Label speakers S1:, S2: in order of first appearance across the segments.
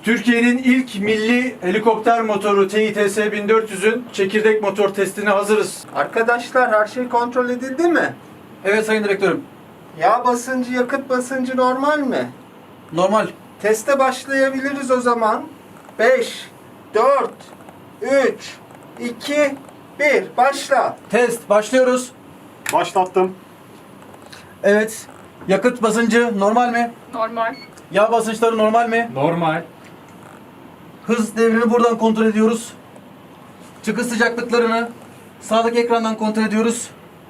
S1: Türkiye'nin ilk milli helikopter motoru TİTS 1400'ün çekirdek motor testine hazırız.
S2: Arkadaşlar her şey kontrol edildi mi?
S1: Evet sayın direktörüm.
S2: Yağ basıncı, yakıt basıncı normal mi?
S1: Normal.
S2: Teste başlayabiliriz o zaman. 5, 4, 3, 2, 1. Başla.
S1: Test başlıyoruz.
S3: Başlattım.
S1: Evet. Yakıt basıncı normal mi?
S4: Normal.
S1: Yağ basınçları normal mi?
S3: Normal.
S1: Hız devrini buradan kontrol ediyoruz. Çıkış sıcaklıklarını sağdaki ekrandan kontrol ediyoruz.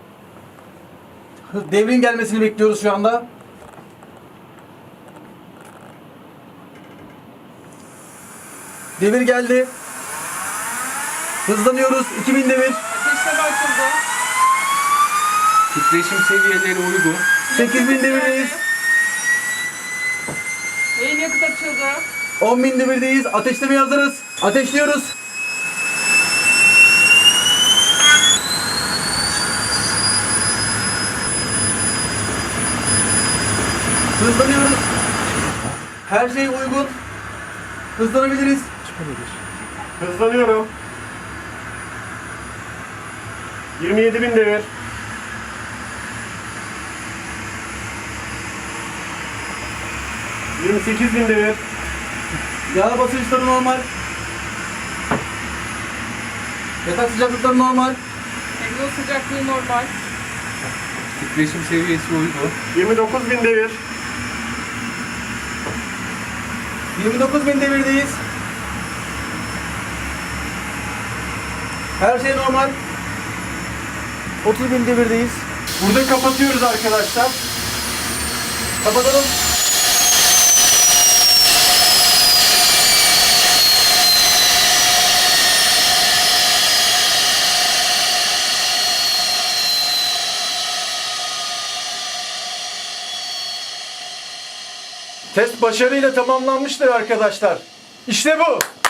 S1: Devrin gelmesini bekliyoruz şu anda. Devir geldi. Hızlanıyoruz. 2000 devir.
S4: Ateşleme açıldı.
S3: Titreşim seviyeleri uygun.
S1: 8000 devirdeyiz.
S4: Beyin yakıt açıldı.
S1: 10.000 devirdeyiz. Ateşlemeye hazırız. Ateşliyoruz. Hızlanıyoruz. Her şey uygun. Hızlanabiliriz.
S3: Hızlanıyorum. 27.000 devir. ...28.000 devir.
S1: Yağ basınçları normal. Yatak sıcaklıkları normal.
S4: Egzoz sıcaklığı normal.
S3: Titreşim seviyesi uygun. 29.000 devir.
S1: 29.000 devirdeyiz. Her şey normal. 30.000 devirdeyiz.
S2: Burada kapatıyoruz arkadaşlar.
S1: Kapatalım.
S2: Test başarıyla tamamlanmıştır arkadaşlar. İşte bu.